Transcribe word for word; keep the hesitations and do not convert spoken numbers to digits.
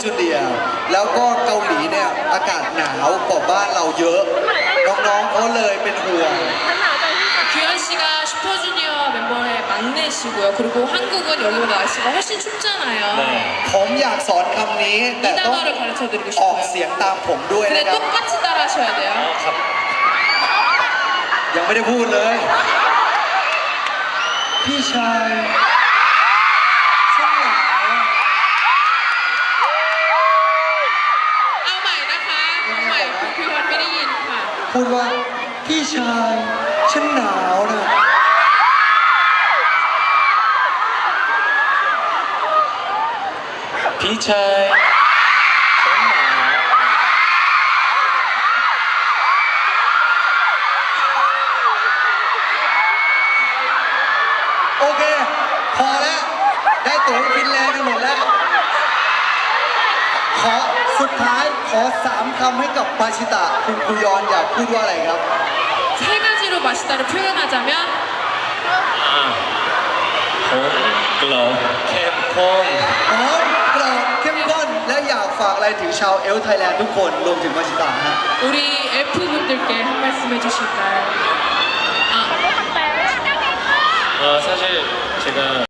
จูเนียร์แล้วก็เกาหลีเนี่ยอากาศหนาวกว่าบ้านเราเยอะน้องๆเขาเลยเป็นห่วง 규현 씨가 슈퍼주니어 멤버의 막내시고요. 그리고 한국은 여기보다 날씨가 훨씬 춥잖아요. ผมอยากสอนคำนี้ 이 แต่ต้อง 단어를 가르쳐드리고 ออก 싶어요. เสียงตามผมด้วย 근데 นะครับ 똑같이 따라하셔야 돼요. ยังไม่ได้พูดเลยพี่ชายฉันหนาวเอาใหม่นะคะเอาใหม่คุณพิวันไม่ได้ยินค่ะพูดว่าพี่ชายฉันหนาวนะพี่ชายฉันหนาวโอเคพอแล้วได้ตั๋วฟินแลนด์กันหมดแล้วขอสุดท้ายขอสามคำให้กับมาชิตะคุณคุยอนอยากพูดว่าอะไรครับ 세 가지로 마시다를 표현하자면 หอมกรอบเข้มข้นหอมกรอบเข้มข้นและอยากฝากอะไรถึงชาวเอลไทยแลนด์ทุกคนรวมถึงมาชิตะฮะ 우리 엘프분들께 한 말씀 해주실까요? 아, 어, 사실 제가